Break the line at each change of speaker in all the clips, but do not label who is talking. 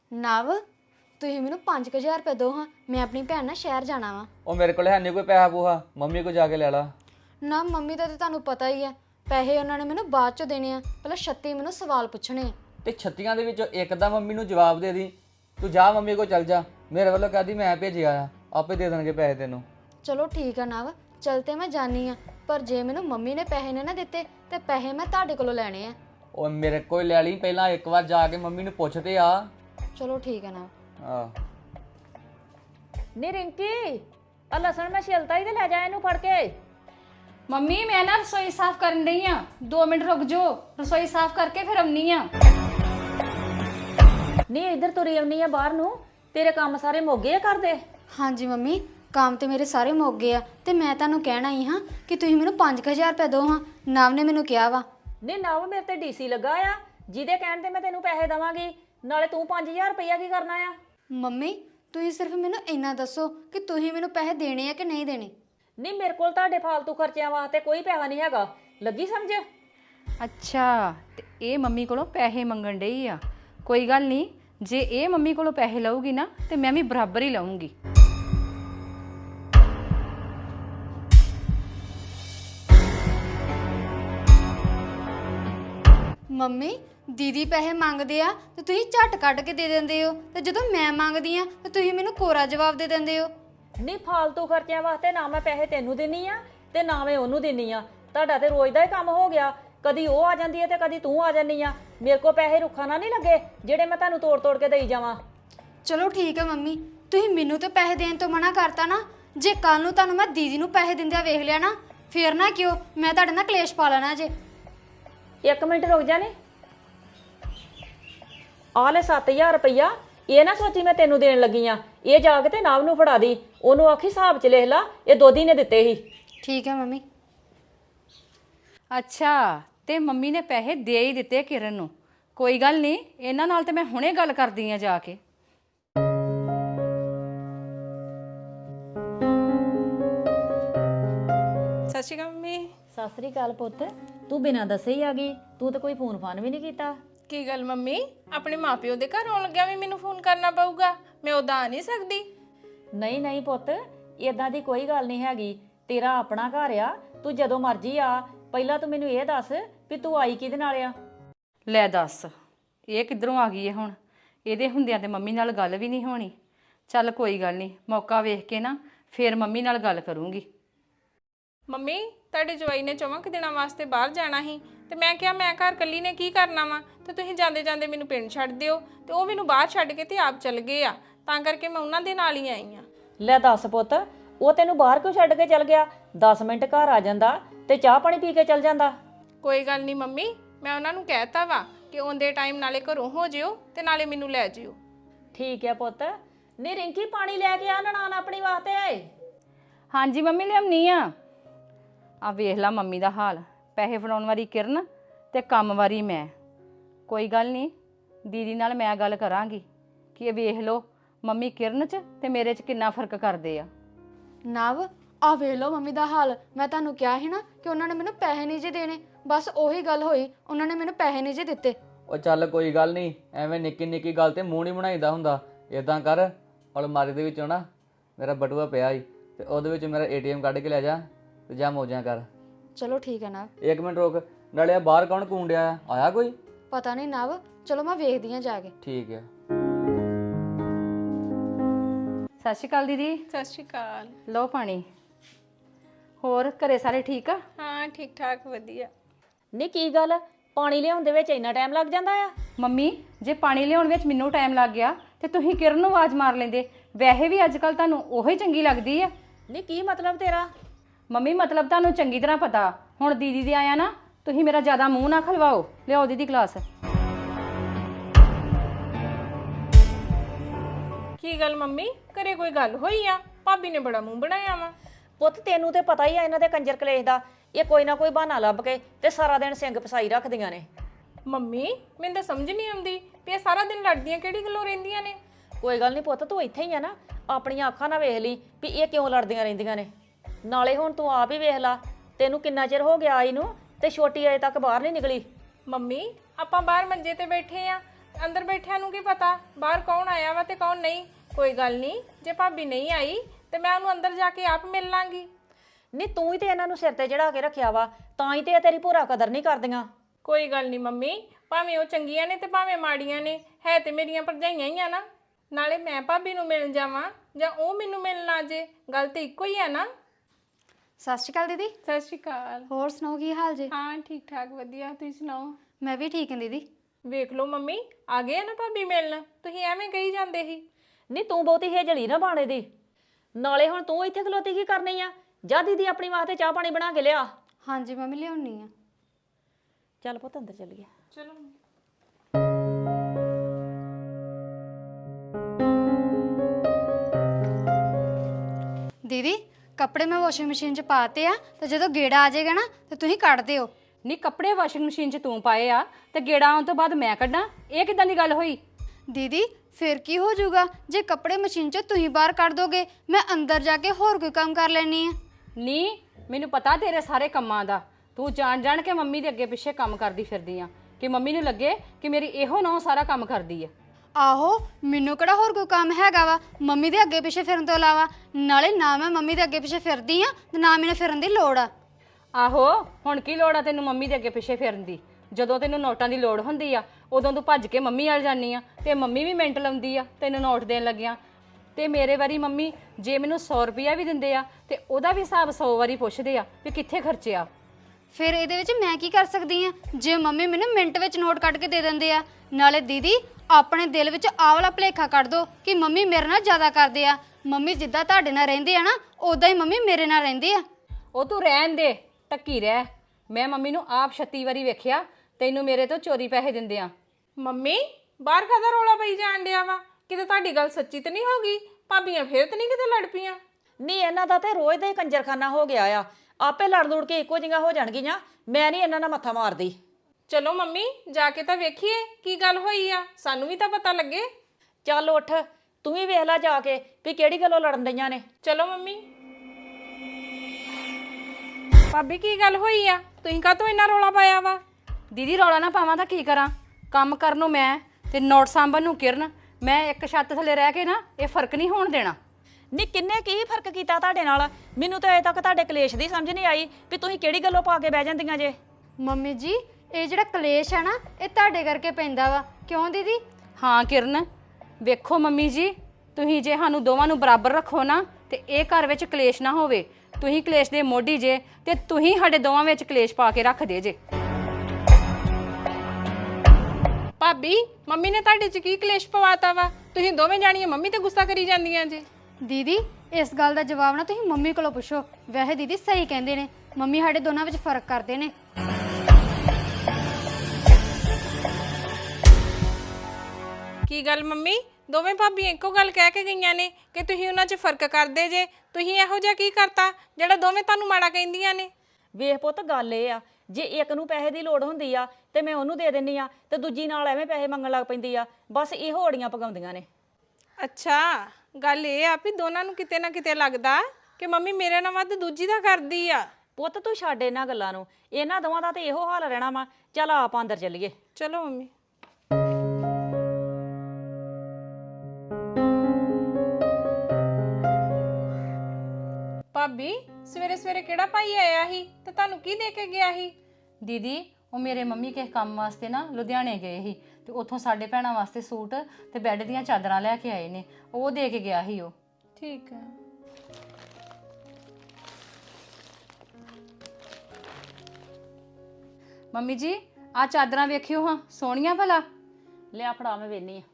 ਨਵ ਤੁਸੀਂ ਮੈਨੂੰ 5000 ਰੁਪਏ ਦਿਓ ਹਾਂ, ਮੈਂ ਆਪਣੀ ਭੈਣ ਨਾਲ ਸ਼ਹਿਰ ਜਾਣਾ ਵਾ।
ਉਹ ਮੇਰੇ ਕੋਲ ਹੈ ਨਹੀਂ ਕੋਈ ਪੈਸਾ ਪੂਹਾ, ਮੰਮੀ ਕੋਲ ਜਾ ਕੇ ਲੈ ਲਾ।
ਨਾ ਮੰਮੀ ਦਾ ਤੇ ਤੁਹਾਨੂੰ ਪਤਾ ਹੀ ਆ, ਪੈਸੇ ਉਹਨਾਂ ਨੇ ਮੈਨੂੰ ਬਾਅਦ ਚ ਦੇਣੇ ਆ, ਪਹਿਲਾਂ 36 ਮੈਨੂੰ ਸਵਾਲ ਪੁੱਛਣੇ ਆ।
ਤੇ 36 ਦੇ ਵਿੱਚੋਂ ਇੱਕ ਦਾ ਮੰਮੀ ਨੂੰ ਜਵਾਬ ਦੇ ਦੀ। ਤੂੰ ਜਾ ਮੰਮੀ ਕੋਲ ਚੱਲ ਜਾ, ਮੇਰੇ ਵੱਲੋਂ ਕਹਦੀ ਮੈਂ ਭੇਜਿਆ ਆ, ਆਪੇ ਦੇ ਦੇਣਗੇ ਪੈਸੇ ਤੈਨੂੰ।
ਚਲੋ ਠੀਕ ਆ ਨਵ, ਚੱਲ ਤੇ ਮੈਂ ਜਾਣੀ ਆ, ਪਰ ਜੇ ਮੈਨੂੰ ਮੰਮੀ ਨੇ ਪੈਸੇ ਨੇ ਨਾ ਦਿੱਤੇ ਤੇ ਪੈਸੇ ਮੈਂ ਤੁਹਾਡੇ ਕੋਲੋਂ ਲੈਣੇ ਆ।
ਉਹ ਮੇਰੇ ਕੋਲ ਲੈ ਲਈ, ਪਹਿਲਾਂ ਇੱਕ ਵਾਰ ਜਾ ਕੇ ਮੰਮੀ ਨੂੰ ਪੁੱਛਦੇ ਆ।
ਚਲੋ ਠੀਕ ਆ ਨਵ।
ਆ
ਨੀ ਰਿੰਕੀ, ਆ ਲਸਣ ਮੈਂ ਛਿਲਤਾ ਹੀ ਤੇ ਲੈ ਜਾ ਇਹਨੂੰ ਫੜ ਕੇ।
ਮੰਮੀ ਮੈਂ ਨਾ ਰਸੋਈ ਸਾਫ਼ ਕਰਨ ਡਈ ਆ, 2 ਮਿੰਟ ਰੁਕ ਜਾਓ, ਰਸੋਈ ਸਾਫ਼ ਕਰਕੇ ਫਿਰ ਆਉਣੀ ਆ।
ਨੀ ਇੱਧਰ ਤੁਰੀ ਆਉਣੀ ਆ ਬਾਹਰ ਨੂੰ, ਤੇਰੇ ਕੰਮ ਸਾਰੇ ਮੋਗੇ ਆ ਕਰਦੇ।
ਹਾਂਜੀ ਮੰਮੀ, ਕੰਮ ਤੇ ਮੇਰੇ ਸਾਰੇ ਮੁੱਕ ਗਏ ਆ, ਤੇ ਮੈਂ ਤੁਹਾਨੂੰ ਕਹਿਣਾ ਹੀ ਹਾਂ ਕਿ ਤੁਸੀਂ ਮੈਨੂੰ 5000 ਰੁਪਏ ਦਿਓ ਹਾਂ। ਨਵ ਨੇ ਮੈਨੂੰ ਕਿਹਾ ਵਾ।
ਨੀ ਨਵ ਮੇਰੇ ਤੇ ਡੀਸੀ ਲੱਗਾ ਆ, ਜਿਹਦੇ ਕਹਿਣ ਤੇ ਮੈਂ ਤੈਨੂੰ ਪੈਸੇ ਦੇਵਾਂਗੀ, ਨਾਲੇ ਤੂੰ 5000 ਰੁਪਇਆ ਕੀ ਕਰਨਾ ਆ?
ਮੰਮੀ ਤੁਸੀਂ ਸਿਰਫ ਮੈਨੂੰ ਇੰਨਾ ਦੱਸੋ ਕਿ ਤੁਸੀਂ ਮੈਨੂੰ ਪੈਸੇ ਦੇਣੇ ਆ ਕਿ ਨਹੀਂ ਦੇਣੇ।
ਨੀ ਮੇਰੇ ਕੋਲ ਤੁਹਾਡੇ ਫਾਲਤੂ ਖਰਚਿਆਂ ਵਾਸਤੇ ਕੋਈ ਪੈਸਾ ਨਹੀਂ ਹੈਗਾ, ਲੱਗੀ ਸਮਝ?
ਅੱਛਾ, ਤੇ ਇਹ ਮੰਮੀ ਕੋਲੋਂ ਪੈਸੇ ਮੰਗਣ ਡਈ ਆ। ਕੋਈ ਗੱਲ ਨਹੀਂ, ਜੇ ਇਹ ਮੰਮੀ ਕੋਲੋਂ ਪੈਸੇ ਲਊਗੀ ਨਾ ਤੇ ਮੈਂ ਵੀ ਬਰਾਬਰ ਹੀ ਲਵਾਂਗੀ।
ਮੰਮੀ ਦੀਦੀ ਪੈਸੇ ਮੰਗਦੇ ਆ ਤੇ ਤੁਸੀਂ ਝੱਟ ਕੱਢ ਕੇ ਦੇ ਦਿੰਦੇ ਹੋ, ਤੇ ਜਦੋਂ ਮੈਂ ਮੰਗਦੀ ਆ ਤੇ ਤੁਸੀਂ ਮੈਨੂੰ ਕੋਰਾ ਜਵਾਬ ਦੇ ਦਿੰਦੇ ਹੋ।
ਨੀ ਫਾਲਤੂ ਖਰਚਿਆਂ ਵਾਸਤੇ ਨਾ ਮੈਂ ਪੈਸੇ ਤੈਨੂੰ ਦਿੰਨੀ ਆ ਤੇ ਨਾ ਮੈਂ ਉਹਨੂੰ ਦਿੰਨੀ ਆ। ਤੁਹਾਡਾ ਤੇ ਰੋਜ਼ ਦਾ ਹੀ ਕੰਮ ਹੋ ਗਿਆ, ਕਦੀ ਉਹ ਆ ਜਾਂਦੀ ਹੈ ਤੇ ਕਦੀ ਤੂੰ ਆ ਜਾਂਦੀ ਆ। ਮੇਰੇ ਕੋ ਪੈਸੇ ਰੁੱਖਾ ਨਾ ਨਹੀਂ ਲੱਗੇ ਜਿਹੜੇ ਮੈਂ ਤੁਹਾਨੂੰ ਤੋੜ ਤੋੜ ਕੇ ਦੇਈ ਜਾਵਾਂ।
ਚਲੋ ਠੀਕ ਹੈ ਮੰਮੀ, ਤੁਸੀਂ ਮੈਨੂੰ ਤੇ ਪੈਸੇ ਦੇਣ ਤੋਂ ਮਨਾ ਕਰਤਾ ਨਾ। ਜੇ ਕੱਲ ਨੂੰ ਤੁਹਾਨੂੰ ਮੈਂ ਦੀਦੀ ਨੂੰ ਪੈਸੇ ਦਿੰਦਿਆਂ ਵੇਖ ਲਿਆ ਨਾ, ਫੇਰ ਨਾ ਕਿਉਂ ਮੈਂ ਤੁਹਾਡੇ ਨਾਲ ਕਲੇਸ਼ ਪਾ ਲੈਣਾ ਜੇ।
1 ਮਿੰਟ ਰੁਕ ਜਾ ਨੀ, ਆ ਲੈ 7000 ਰੁਪਇਆ। ਇਹ ਨਾ ਸੋਚੀ ਮੈਂ ਤੈਨੂੰ ਦੇਣ ਲੱਗੀ ਆ, ਇਹ ਜਾ ਕੇ ਤੇ ਨਾਵ ਨੂੰ ਫੜਾ ਦੀ, ਉਹਨੂੰ ਆਖੀ ਹਿਸਾਬ 'ਚ ਲਿਖ ਲਾ, ਇਹ ਦੋਦੀ ਨੇ ਦਿੱਤੇ ਸੀ।
ਠੀਕ ਹੈ ਮੰਮੀ।
ਅੱਛਾ, ਤੇ ਮੰਮੀ ਨੇ ਪੈਸੇ ਦੇ ਹੀ ਦਿੱਤੇ ਕਿਰਨ ਨੂੰ। ਕੋਈ ਗੱਲ ਨਹੀਂ, ਇਹਨਾਂ ਨਾਲ ਤੇ ਮੈਂ ਹੁਣੇ ਗੱਲ ਕਰਦੀ ਆ ਜਾ ਕੇ।
ਸਤਿ ਸ਼੍ਰੀ ਅਕਾਲ ਮੰਮੀ।
ਸਤਿ ਸ੍ਰੀ ਅਕਾਲ ਪੁੱਤ, ਤੂੰ ਬਿਨਾਂ ਦੱਸੇ ਹੀ ਆ ਗਈ, ਤੂੰ ਤਾਂ ਕੋਈ ਫੋਨ ਫਾਨ ਵੀ ਨਹੀਂ ਕੀਤਾ।
ਕੀ ਗੱਲ ਮੰਮੀ, ਆਪਣੇ ਮਾਪਿਓ ਦੇ ਘਰ ਆਉਣ ਲੱਗਿਆ ਵੀ ਮੈਨੂੰ ਫੋਨ ਕਰਨਾ ਪਊਗਾ? ਮੈਂ ਉਦਾਂ ਆ ਨਹੀਂ ਸਕਦੀ?
ਨਹੀਂ ਨਹੀਂ ਪੁੱਤ, ਇਦਾਂ ਦੀ ਕੋਈ ਗੱਲ ਨਹੀਂ ਹੈਗੀ, ਤੇਰਾ ਆਪਣਾ ਘਰ ਆ, ਤੂੰ ਜਦੋਂ ਮਰਜ਼ੀ ਆ। ਪਹਿਲਾਂ ਤੂੰ ਮੈਨੂੰ ਇਹ ਦੱਸ ਵੀ ਤੂੰ ਆਈ ਕਿਹਦੇ ਨਾਲ ਆ?
ਲੈ ਦੱਸ, ਇਹ ਕਿੱਧਰੋਂ ਆ ਗਈ ਹੈ ਹੁਣ? ਇਹਦੇ ਹੁੰਦਿਆਂ ਤੇ ਮੰਮੀ ਨਾਲ ਗੱਲ ਵੀ ਨਹੀਂ ਹੋਣੀ। ਚੱਲ ਕੋਈ ਗੱਲ ਨਹੀਂ, ਮੌਕਾ ਵੇਖ ਕੇ ਨਾ ਫੇਰ ਮੰਮੀ ਨਾਲ ਗੱਲ ਕਰੂੰਗੀ।
ਮੰਮੀ ਤੁਹਾਡੇ ਜਵਾਈ ਨੇ 4 ਦਿਨਾਂ ਵਾਸਤੇ ਬਾਹਰ ਜਾਣਾ ਸੀ, ਤੇ ਮੈਂ ਕਿਹਾ ਮੈਂ ਘਰ ਇਕੱਲੀ ਨੇ ਕੀ ਕਰਨਾ ਵਾ, ਤੇ ਤੁਸੀਂ ਜਾਂਦੇ ਜਾਂਦੇ ਮੈਨੂੰ ਪਿੰਡ ਛੱਡ ਦਿਓ। ਤੇ ਉਹ ਮੈਨੂੰ ਬਾਹਰ ਛੱਡ ਕੇ ਤੇ ਆਪ ਚੱਲ ਗਏ ਆ, ਤਾਂ ਕਰਕੇ ਮੈਂ ਉਹਨਾਂ ਦੇ ਨਾਲ ਹੀ ਆਈ ਆ।
ਲੈ ਦੱਸ ਪੁੱਤ, ਉਹ ਤੈਨੂੰ ਬਾਹਰ ਕਿਉਂ ਛੱਡ ਕੇ ਚੱਲ ਗਿਆ? 10 ਮਿੰਟ ਘਰ ਆ ਜਾਂਦਾ ਤੇ ਚਾਹ ਪਾਣੀ ਪੀ ਕੇ ਚੱਲ ਜਾਂਦਾ।
ਕੋਈ ਗੱਲ ਨਹੀਂ ਮੰਮੀ, ਮੈਂ ਉਹਨਾਂ ਨੂੰ ਕਹਿਤਾ ਵਾ ਕਿ ਆਉਂਦੇ ਟਾਈਮ ਨਾਲੇ ਘਰੋਂ ਹੋ ਜਿਓ ਤੇ ਨਾਲੇ ਮੈਨੂੰ ਲੈ ਜਿਓ।
ਠੀਕ ਹੈ ਪੁੱਤ। ਨੀ ਰਿੰਕੀ, ਪਾਣੀ ਲੈ ਕੇ ਆ ਨਨਾਣ ਆਪਣੀ ਵਾਸਤੇ।
ਹਾਂਜੀ ਮੰਮੀ, ਲਿਆਉਣੀ ਆ ਵੇਖ ਲਾ ਮੰਮੀ ਦਾ ਹਾਲ। ਪੈਸੇ ਫੜਾਉਣ ਵਾਲੀ ਕਿਰਨ ਤੇ ਕੰਮ ਵਾਲੀ ਮੈਂ। ਕੋਈ ਗੱਲ ਨਹੀਂ, ਦੀਦੀ ਨਾਲ ਮੈਂ ਗੱਲ ਕਰਾਂਗੀ ਕਿ ਇਹ ਵੇਖ ਲਓ ਮੰਮੀ ਕਿਰਨ 'ਚ ਤੇ ਮੇਰੇ 'ਚ ਕਿੰਨਾ ਫਰਕ ਕਰਦੇ ਆ।
ਨਵ ਆ ਵੇਖ ਲਓ ਮੰਮੀ ਦਾ ਹਾਲ। ਮੈਂ ਤੁਹਾਨੂੰ ਕਿਹਾ ਸੀ ਨਾ ਕਿ ਉਹਨਾਂ ਨੇ ਮੈਨੂੰ ਪੈਸੇ ਨਹੀਂ ਜੇ ਦੇਣੇ, ਬਸ ਉਹੀ ਗੱਲ ਹੋਈ, ਉਹਨਾਂ ਨੇ ਮੈਨੂੰ ਪੈਸੇ ਨਹੀਂ ਜੇ ਦਿੱਤੇ।
ਉਹ ਚੱਲ ਕੋਈ ਗੱਲ ਨਹੀਂ, ਐਵੇਂ ਨਿੱਕੀ ਨਿੱਕੀ ਗੱਲ ਤੇ ਮੂੰਹ ਨਹੀਂ ਬਣਾਈਦਾ ਹੁੰਦਾ। ਇਦਾਂ ਕਰ, ਅਲਮਾਰੀ ਦੇ ਵਿੱਚੋਂ ਨਾ ਮੇਰਾ ਬਟੂਆ ਪਿਆ ਸੀ, ਤੇ ਉਹਦੇ ਵਿੱਚ ਮੇਰਾ ATM ਕੱਢ ਕੇ ਲੈ ਜਾ ਤੇ ਜਾ ਮੌਜਾਂ ਕਰ।
ਚਲੋ ਠੀਕ ਹੈ ਨਵ।
1 ਮਿੰਟ ਰੁਕ, ਨਾਲੇ ਆ ਬਾਹਰ ਕੌਣ ਕੂੰਡਿਆ ਆ? ਆਇਆ ਕੋਈ?
ਪਤਾ ਨਹੀਂ ਨਵ, ਚਲੋ ਮੈਂ ਵੇਖਦੀ ਆ ਜਾ ਕੇ।
ਠੀਕ ਹੈ।
ਸਤਿ ਸ਼੍ਰੀ ਅਕਾਲ ਦੀਦੀ।
ਸਤਿ ਸ਼੍ਰੀ ਅਕਾਲ।
ਲਓ ਪਾਣੀ। ਹੋਰ ਘਰੇ ਸਾਰੇ ਠੀਕ ਆ?
ਹਾਂ ਠੀਕ ਠਾਕ, ਵਧੀਆ।
ਨੀ ਕੀ ਗੱਲ, ਪਾਣੀ ਲਿਆਉਣ ਦੇ ਵਿੱਚ ਇੰਨਾ ਟਾਈਮ ਲੱਗ ਜਾਂਦਾ ਆ?
ਮੰਮੀ ਜੇ ਪਾਣੀ ਲਿਆਉਣ ਵਿੱਚ ਮੈਨੂੰ ਟਾਈਮ ਲੱਗ ਗਿਆ ਤੇ ਤੁਸੀਂ ਕਿਰਨ ਨੂੰ ਆਵਾਜ਼ ਮਾਰ ਲੈਂਦੇ। ਵੈਸੇ ਵੀ ਅੱਜ ਕੱਲ ਤੁਹਾਨੂੰ ਉਹੀ ਚੰਗੀ ਲੱਗਦੀ ਆ।
ਨੀ ਕੀ ਮਤਲਬ ਤੇਰਾ?
ਮੰਮੀ ਮਤਲਬ ਤੁਹਾਨੂੰ ਚੰਗੀ ਤਰ੍ਹਾਂ ਪਤਾ। ਹੁਣ ਦੀਦੀ ਦੇ ਆਇਆ ਨਾ, ਤੁਸੀਂ ਮੇਰਾ ਜ਼ਿਆਦਾ ਮੂੰਹ ਨਾ ਖਲਵਾਓ। ਲਿਆਓ ਦੀਦੀ ਗਲਾਸ।
ਕੀ ਗੱਲ ਮੰਮੀ, ਘਰੇ ਕੋਈ ਗੱਲ ਹੋਈ ਆ? ਭਾਬੀ ਨੇ ਬੜਾ ਮੂੰਹ ਬਣਾਇਆ ਵਾ।
ਪੁੱਤ ਤੈਨੂੰ ਤੇ ਪਤਾ ਹੀ ਆ ਇਹਨਾਂ ਦੇ ਕੰਜਰ ਕਲੇਸ਼ ਦਾ। ਇਹ ਕੋਈ ਨਾ ਕੋਈ ਬਹਾਨਾ ਲੱਭ ਕੇ ਤੇ ਸਾਰਾ ਦਿਨ ਸਿੰਗ ਪਸਾਈ ਰੱਖਦੀਆਂ ਨੇ।
ਮੰਮੀ ਮੈਨੂੰ ਤਾਂ ਸਮਝ ਨਹੀਂ ਆਉਂਦੀ ਵੀ ਇਹ ਸਾਰਾ ਦਿਨ ਲੜਦੀਆਂ ਕਿਹੜੀ ਗੱਲੋਂ ਰਹਿੰਦੀਆਂ ਨੇ।
ਕੋਈ ਗੱਲ ਨਹੀਂ ਪੁੱਤ, ਤੂੰ ਇੱਥੇ ਹੀ ਆ ਨਾ, ਆਪਣੀਆਂ ਅੱਖਾਂ ਨਾਲ ਵੇਖ ਲਈ ਵੀ ਇਹ ਕਿਉਂ ਲੜਦੀਆਂ ਰਹਿੰਦੀਆਂ ਨੇ। ਨਾਲੇ ਹੁਣ ਤੂੰ ਆਪ ਹੀ ਵੇਖ ਲਾ, ਤੈਨੂੰ ਕਿੰਨਾ ਚਿਰ ਹੋ ਗਿਆ ਆਈ ਨੂੰ, ਤੇ ਛੋਟੀ ਅਜੇ ਤੱਕ ਬਾਹਰ ਨਹੀਂ ਨਿਕਲੀ।
ਮੰਮੀ ਆਪਾਂ ਬਾਹਰ ਮੰਜੇ ਤੇ ਬੈਠੇ ਆ, ਅੰਦਰ ਬੈਠਿਆਂ ਨੂੰ ਕੀ ਪਤਾ ਬਾਹਰ ਕੌਣ ਆਇਆ ਵਾ ਤੇ ਕੌਣ ਨਹੀਂ। ਕੋਈ ਗੱਲ ਨਹੀਂ, ਜੇ ਭਾਬੀ ਨਹੀਂ ਆਈ ਤੇ ਮੈਂ ਉਹਨੂੰ ਅੰਦਰ ਜਾ ਕੇ ਆਪ ਮਿਲ ਲਾਂਗੀ।
ਨਹੀਂ ਤੂੰ ਹੀ ਤੇ ਇਹਨਾਂ ਨੂੰ ਸਿਰ ਤੇ ਚੜਾ ਕੇ ਰੱਖਿਆ ਵਾ, ਤਾਂ ਹੀ ਤੇ ਇਹ ਤੇਰੀ ਭੂਰਾ ਕਦਰ ਨਹੀਂ ਕਰਦੀਆਂ।
ਕੋਈ ਗੱਲ ਨਹੀਂ ਮੰਮੀ, ਭਾਵੇਂ ਉਹ ਚੰਗੀਆਂ ਨੇ ਤੇ ਭਾਵੇਂ ਮਾੜੀਆਂ ਨੇ, ਹੈ ਤੇ ਮੇਰੀਆਂ ਭਰਜਾਈਆਂ ਹੀ ਆ ਨਾ। ਨਾਲੇ ਮੈਂ ਭਾਬੀ ਨੂੰ ਮਿਲਣ ਜਾਵਾਂ ਜਾਂ ਉਹ ਮੈਨੂੰ ਮਿਲਣ ਆ ਜੇ, ਗੱਲ ਤੇ ਇੱਕੋ ਹੀ ਆ ਨਾ।
ਸਤਿ ਸ਼੍ਰੀ ਅਕਾਲ ਦੀਦੀ।
ਸਤਿ ਸ਼੍ਰੀ ਅਕਾਲ।
ਹੋਰ ਸੁਣਾਓ ਕੀ ਹਾਲ ਜੇ?
ਹਾਂ ਠੀਕ ਠਾਕ ਵਧੀਆ, ਤੁਸੀਂ ਸੁਣਾਓ?
ਮੈਂ ਵੀ ਠੀਕ ਹਾਂ ਦੀਦੀ।
ਵੇਖ ਲਓ ਮੰਮੀ, ਆ ਗਏ ਆ ਨਾ ਭਾਬੀ ਮਿਲਣ, ਤੁਸੀਂ ਐਵੇਂ ਕਹੀ ਜਾਂਦੇ ਸੀ।
ਨਹੀਂ ਤੂੰ ਬਹੁਤੀ ਹੇਜਲੀ ਨਾ ਬਾਣੇ ਦੀ। ਨਾਲੇ ਹੁਣ ਤੂੰ ਇੱਥੇ ਖਲੋਤੀ ਕੀ ਕਰਨੀ ਆ? ਜਾ ਦੀਦੀ ਆਪਣੀ ਵਾਸਤੇ ਚਾਹ ਪਾਣੀ ਬਣਾ ਕੇ ਲਿਆ।
ਹਾਂਜੀ ਮੰਮੀ ਲਿਆਉਣੀ ਆ।
ਚੱਲ ਪੁੱਤ ਅੰਦਰ ਚੱਲੀਏ।
ਚਲੋ।
ਦੀਦੀ ਕੱਪੜੇ ਮੈਂ ਵਾਸ਼ਿੰਗ ਮਸ਼ੀਨ 'ਚ ਪਾਤੇ ਆ ਤੇ ਜਦੋਂ ਗੇੜਾ ਆ ਜਾਏਗਾ ਨਾ ਤੇ ਤੁਸੀਂ ਕੱਢ ਦਿਓ।
ਨਹੀਂ ਕੱਪੜੇ ਵਾਸ਼ਿੰਗ ਮਸ਼ੀਨ 'ਚ ਤੂੰ ਪਾਏ ਆ ਤੇ ਗੇੜਾ ਆਉਣ ਤੋਂ ਬਾਅਦ ਮੈਂ ਕੱਢਾਂ? ਇਹ ਕਿੱਦਾਂ ਦੀ ਗੱਲ ਹੋਈ?
ਦੀਦੀ ਫਿਰ ਕੀ ਹੋ ਜਾਊਗਾ ਜੇ ਕੱਪੜੇ ਮਸ਼ੀਨ 'ਚ ਤੁਸੀਂ ਬਾਹਰ ਕੱਢ ਦੋਗੇ, ਮੈਂ ਅੰਦਰ ਜਾ ਕੇ ਹੋਰ ਕੋਈ ਕੰਮ ਕਰ ਲੈਣੀ ਆ।
ਨਹੀਂ ਮੈਨੂੰ ਪਤਾ ਤੇਰੇ ਸਾਰੇ ਕੰਮਾਂ ਦਾ, ਤੂੰ ਜਾਣ ਜਾਣ ਕੇ ਮੰਮੀ ਦੇ ਅੱਗੇ ਪਿੱਛੇ ਕੰਮ ਕਰਦੀ ਫਿਰਦੀ ਆ ਕਿ ਮੰਮੀ ਨੂੰ ਲੱਗੇ ਕਿ ਮੇਰੀ ਇਹੋ ਨੌਂ ਸਾਰਾ ਕੰਮ ਕਰਦੀ ਆ।
ਆਹੋ ਮੈਨੂੰ ਕਿਹੜਾ ਹੋਰ ਕੋਈ ਕੰਮ ਹੈਗਾ ਵਾ ਮੰਮੀ ਦੇ ਅੱਗੇ ਪਿੱਛੇ ਫਿਰਨ ਤੋਂ ਇਲਾਵਾ? ਨਾਲੇ ਨਾ ਮੈਂ ਮੰਮੀ ਦੇ ਅੱਗੇ ਪਿੱਛੇ ਫਿਰਦੀ ਆ ਤੇ ਨਾ ਮੈਨੂੰ ਫਿਰਨ ਦੀ ਲੋੜ ਆ।
ਆਹੋ ਹੁਣ ਕੀ ਲੋੜ ਆ ਤੈਨੂੰ ਮੰਮੀ ਦੇ ਅੱਗੇ ਪਿੱਛੇ ਫਿਰਨ ਦੀ? ਜਦੋਂ ਤੈਨੂੰ ਨੋਟਾਂ ਦੀ ਲੋੜ ਹੁੰਦੀ ਆ ਉਦੋਂ ਤੂੰ ਭੱਜ ਕੇ ਮੰਮੀ ਵੱਲ ਜਾਂਦੀ ਆ ਤੇ ਮੰਮੀ ਵੀ ਮਿੰਟ ਲਾਉਂਦੀ ਆ ਤੈਨੂੰ ਨੋਟ ਦੇਣ ਲੱਗਿਆ। ਤੇ ਮੇਰੇ ਵਾਰੀ ਮੰਮੀ ਜੇ ਮੈਨੂੰ 100 ਰੁਪਇਆ ਵੀ ਦਿੰਦੇ ਆ ਤੇ ਉਹਦਾ ਵੀ ਹਿਸਾਬ 100 ਵਾਰੀ ਪੁੱਛਦੇ ਆ ਵੀ ਕਿੱਥੇ ਖਰਚਿਆ।
ਫਿਰ ਇਹਦੇ ਵਿੱਚ ਮੈਂ ਕੀ ਕਰ ਸਕਦੀ ਆ ਜੇ ਮੰਮੀ ਮੈਨੂੰ ਮਿੰਟ ਵਿੱਚ ਨੋਟ ਕੱਢ ਕੇ ਦੇ ਦਿੰਦੇ ਆ? ਨਾਲੇ ਦੀਦੀ ਆਪਣੇ ਦਿਲ ਵਿੱਚ ਆਹ ਵਾਲਾ ਭੁਲੇਖਾ ਕੱਢ ਦੋ ਕਿ ਮੰਮੀ ਮੇਰੇ ਨਾਲ ਜ਼ਿਆਦਾ ਕਰਦੇ ਆ। ਮੰਮੀ ਜਿੱਦਾਂ ਤੁਹਾਡੇ ਨਾਲ ਰਹਿੰਦੇ ਆ ਨਾ ਉਦਾਂ ਹੀ ਮੰਮੀ ਮੇਰੇ ਨਾਲ ਰਹਿੰਦੇ ਆ।
ਉਹ ਤੂੰ ਰਹਿਣ ਦੇ, ਟੱਕੀ ਰਹਿ। ਮੈਂ ਮੰਮੀ ਨੂੰ ਆਪ 36 ਵਾਰੀ ਵੇਖਿਆ ਤੈਨੂੰ ਮੇਰੇ ਤੋਂ ਚੋਰੀ ਪੈਸੇ ਦਿੰਦੇ ਆ।
ਮੰਮੀ ਬਾਹਰ ਕਾਹਦਾ ਰੌਲਾ ਪਈ ਜਾਣ ਡਿਆ ਵਾ? ਕਿਤੇ ਤੁਹਾਡੀ ਗੱਲ ਸੱਚੀ ਤੇ ਨਹੀਂ ਹੋ ਗਈ? ਭਾਬੀਆਂ ਫੇਰ ਤੇ ਨਹੀਂ ਕਿਤੇ ਲੜ ਪਈਆਂ?
ਨਹੀਂ ਇਹਨਾਂ ਦਾ ਤੇ ਰੋਜ਼ ਦਾ ਹੀ ਕੰਜਰਖਾਨਾ ਹੋ ਗਿਆ ਆ, ਆਪੇ ਲੜ ਲੁੜ ਕੇ ਇੱਕੋ ਜਿਹੀਆਂ ਹੋ ਜਾਣਗੀਆਂ। ਮੈਂ ਨਹੀਂ ਇਹਨਾਂ ਨਾਲ ਮੱਥਾ ਮਾਰਦੀ।
ਚਲੋ ਮੰਮੀ ਜਾ ਕੇ ਤਾਂ ਵੇਖੀਏ ਕੀ ਗੱਲ ਹੋਈ ਆ, ਸਾਨੂੰ ਵੀ ਤਾਂ ਪਤਾ ਲੱਗੇ।
ਚੱਲ ਉੱਠ ਤੂੰ ਵੀ ਵੇਖ ਲੈ ਜਾ ਕੇ ਵੀ ਕਿਹੜੀ ਗੱਲੋਂ ਲੜਨ ਡਈਆਂ ਨੇ।
ਚਲੋ ਮੰਮੀ। ਭਾਬੀ ਕੀ ਗੱਲ ਹੋਈ ਆ? ਤੁਸੀਂ ਕਾਹਤੋਂ ਇੰਨਾ ਰੌਲਾ ਪਾਇਆ ਵਾ?
ਦੀਦੀ ਰੌਲਾ ਨਾ ਪਾਵਾਂ ਤਾਂ ਕੀ ਕਰਾਂ? ਕੰਮ ਕਰਨ ਨੂੰ ਮੈਂ ਤੇ ਨੋਟ ਸਾਂਭਣ ਨੂੰ ਕਿਰਨ, ਮੈਂ ਇੱਕ ਛੱਤ ਥੱਲੇ ਰਹਿ ਕੇ ਨਾ ਇਹ ਫਰਕ ਨਹੀਂ ਹੋਣ ਦੇਣਾ।
ਨਹੀਂ ਕਿੰਨੇ ਕੀ ਫਰਕ ਕੀਤਾ ਤੁਹਾਡੇ ਨਾਲ? ਮੈਨੂੰ ਤਾਂ ਅਜੇ ਤੱਕ ਤੁਹਾਡੇ ਕਲੇਸ਼ ਦੀ ਸਮਝ ਨਹੀਂ ਆਈ ਵੀ ਤੁਸੀਂ ਕਿਹੜੀ ਗੱਲੋਂ ਪਾ ਕੇ ਬਹਿ ਜਾਂਦੀਆਂ ਜੇ।
ਮੰਮੀ ਜੀ ਇਹ ਜਿਹੜਾ ਕਲੇਸ਼ ਹੈ ਨਾ ਇਹ ਤੁਹਾਡੇ ਕਰਕੇ ਪੈਂਦਾ ਵਾ। ਕਿਉਂ ਦੀਦੀ?
ਹਾਂ ਕਿਰਨ ਵੇਖੋ ਮੰਮੀ ਜੀ, ਤੁਸੀਂ ਜੇ ਸਾਨੂੰ ਦੋਵਾਂ ਨੂੰ ਬਰਾਬਰ ਰੱਖੋ ਨਾ ਤੇ ਇਹ ਘਰ ਵਿੱਚ ਕਲੇਸ਼ ਨਾ ਹੋਵੇ। ਤੁਸੀਂ ਕਲੇਸ਼ ਦੇ ਮੋਢੀ ਜੇ ਤੇ ਤੁਸੀਂ ਸਾਡੇ ਦੋਵਾਂ ਵਿੱਚ ਕਲੇਸ਼ ਪਾ ਕੇ ਰੱਖਦੇ ਜੇ।
ਭਾਬੀ ਮੰਮੀ ਨੇ ਤੁਹਾਡੇ 'ਚ ਕੀ ਕਲੇਸ਼ ਪਵਾਤਾ ਵਾ? ਤੁਸੀਂ ਦੋਵੇਂ ਜਾਣੀਆਂ ਮੰਮੀ ਤੇ ਗੁੱਸਾ ਕਰੀ ਜਾਂਦੀਆਂ ਜੇ।
ਦੀਦੀ ਇਸ ਗੱਲ ਦਾ ਜਵਾਬ ਨਾ ਤੁਸੀਂ ਮੰਮੀ ਕੋਲੋਂ ਪੁੱਛੋ। ਵੈਸੇ ਦੀਦੀ ਸਹੀ ਕਹਿੰਦੇ ਨੇ, ਮੰਮੀ ਸਾਡੇ ਦੋਨਾਂ ਵਿੱਚ ਫਰਕ ਕਰਦੇ ਨੇ।
ਕੀ ਗੱਲ ਮੰਮੀ, ਦੋਵੇਂ ਭਾਬੀਆਂ ਇੱਕੋ ਗੱਲ ਕਹਿ ਕੇ ਗਈਆਂ ਨੇ ਕਿ ਤੁਸੀਂ ਉਹਨਾਂ 'ਚ ਫਰਕ ਕਰਦੇ ਜੇ। ਤੁਸੀਂ ਇਹੋ ਜਿਹਾ ਕੀ ਕਰਤਾ ਜਿਹੜਾ ਦੋਵੇਂ ਤੁਹਾਨੂੰ ਮਾੜਾ ਕਹਿੰਦੀਆਂ ਨੇ?
ਵੇਖ ਪੁੱਤ ਗੱਲ ਇਹ ਆ, ਜੇ ਇੱਕ ਨੂੰ ਪੈਸੇ ਦੀ ਲੋੜ ਹੁੰਦੀ ਆ ਤੇ ਮੈਂ ਉਹਨੂੰ ਦੇ ਦਿੰਨੀ ਆ ਤੇ ਦੂਜੀ ਨਾਲ ਐਵੇਂ ਪੈਸੇ ਮੰਗਣ ਲੱਗ ਪੈਂਦੀ ਆ। ਬਸ ਇਹੋ ਓੜੀਆਂ ਪਗਾਉਂਦੀਆਂ ਨੇ।
ਅੱਛਾ ਗੱਲ ਇਹ ਆ ਵੀ ਦੋਨਾਂ ਨੂੰ ਕਿਤੇ ਨਾ ਕਿਤੇ ਲੱਗਦਾ ਕਿ ਮੰਮੀ ਮੇਰੇ ਨਾਲ ਵੱਧ ਦੂਜੀ ਦਾ ਕਰਦੀ ਆ।
ਪੁੱਤ ਤੂੰ ਛੱਡ ਇਹਨਾਂ ਗੱਲਾਂ ਨੂੰ, ਇਹਨਾਂ ਦੋਵਾਂ ਦਾ ਤੇ ਇਹੋ ਹਾਲ ਰਹਿਣਾ ਵਾ। ਚੱਲ ਆਪਾਂ ਅੰਦਰ ਚੱਲੀਏ।
ਚਲੋ ਮੰਮੀ। ਭਾਬੀ ਸਵੇਰੇ ਸਵੇਰੇ ਕਿਹੜਾ ਭਾਈ ਆਇਆ ਸੀ ਤੇ ਤੁਹਾਨੂੰ ਕੀ ਦੇ ਕੇ ਗਿਆ ਸੀ?
ਦੀਦੀ ਉਹ ਮੇਰੇ ਮੰਮੀ ਕਿਸੇ ਕੰਮ ਵਾਸਤੇ ਨਾ ਲੁਧਿਆਣੇ ਗਏ ਸੀ ਤੇ ਉੱਥੋਂ ਸਾਡੇ ਭੈਣਾਂ ਵਾਸਤੇ ਸੂਟ ਤੇ ਬੈੱਡ ਦੀਆਂ ਚਾਦਰਾਂ ਲੈ ਕੇ ਆਏ ਨੇ, ਉਹ ਦੇ ਕੇ ਗਿਆ ਸੀ ਉਹ।
ਠੀਕ ਹੈ।
ਮੰਮੀ ਜੀ ਆ ਚਾਦਰਾਂ ਵੇਖਿਓ ਹਾਂ, ਸੋਹਣੀਆਂ ਭਲਾ।
ਲਿਆ ਫੜਾ ਮੈਂ ਵੇਨੀ ਆ।